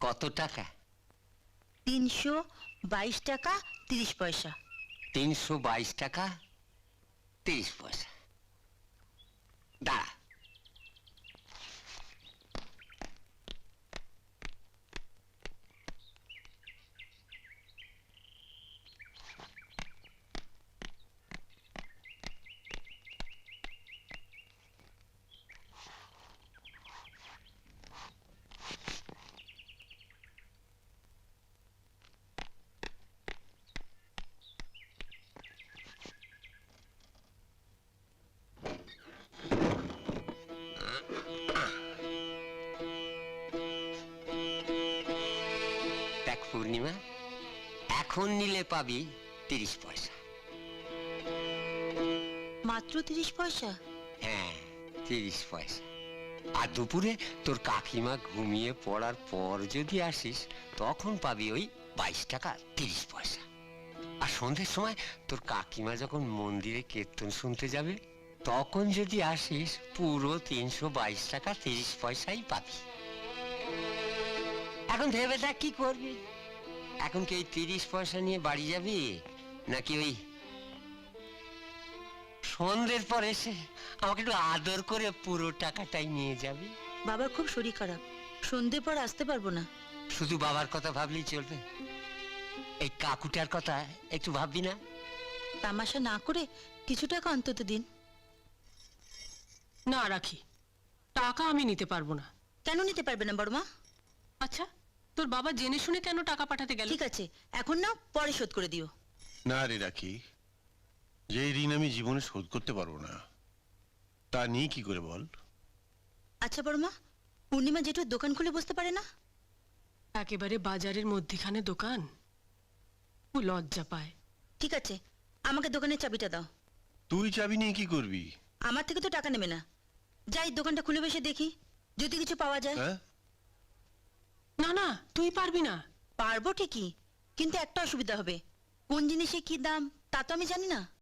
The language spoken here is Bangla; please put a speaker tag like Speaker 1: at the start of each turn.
Speaker 1: কত টাকা?
Speaker 2: 322 টাকা 30 পয়সা।
Speaker 1: 322 টাকা 30 পয়সা। দাঁড়া। দেখ পূর্ণিমা, এখন নিলে পাবি 30 পয়সা।
Speaker 2: মাত্র 30 পয়সা?
Speaker 1: হ্যাঁ, 30 পয়সা। আর দুপুরে তোর কাকিমা ঘুমিয়ে পড়ার পর যদি আসিস, তখন পাবি ওই 22 টাকা 30 পয়সা। আর সন্ধ্যের সময় তোর কাকিমা যখন মন্দিরে কীর্তন শুনতে যাবে, তখন যদি আসিস, পুরো 322 টাকা 30 পয়সাই পাবি। এখন ভেবে দেখ কি করবি। এখন কি ওই 30 পয়সা নিয়ে বাড়ি যাবি, নাকি ওই সন্ধ্যের পর এসে আমাকে একটু আদর করে পুরো টাকাটাই নিয়ে যাবি?
Speaker 2: বাবার খুব শরীর খারাপ, সন্ধে পর আসতে পারবো না।
Speaker 1: শুধু বাবার কথা ভাবলেই চলবে? এই কাকুটার কথা একটু ভাববি না?
Speaker 2: তামাশা না করে কিছু টাকা অন্তত দিন।
Speaker 3: না রাখি, টাকা আমি নিতে পারবো না।
Speaker 2: কেন নিতে পারবে না বড়মা?
Speaker 3: আচ্ছা, তোর বাবা জেনে শুনে কেন টাকা পাঠাতে গেল?
Speaker 2: ঠিক আছে, এখন নাও, পরে শোধ করে দিও।
Speaker 4: না রে রাখি, যে ঋণ আমি জীবনে শোধ করতে পারবো না, তা নিয়ে কি করে বল?
Speaker 2: আচ্ছা বড়মা, পূর্ণিমা জেঠুর দোকান খুলে বসতে পারে না?
Speaker 3: একেবারে বাজারের মধ্যিখানে দোকান, ও লজ্জা পায়।
Speaker 2: ঠিক আছে, আমাকে দোকানের চাবিটা দাও।
Speaker 4: তুই চাবি নিয়ে কি করবি?
Speaker 2: আমার থেকে তো টাকা নেবে না। যাই দোকানটা খুলে বসে দেখি, যদি কিছু পাওয়া যায়।
Speaker 4: হ্যাঁ,
Speaker 3: না না, তুই পারবি না।
Speaker 2: পারবো ঠিকই, কিন্তু একটা অসুবিধা হবে। কোন জিনিসে কি দাম তা তো আমি জানি না।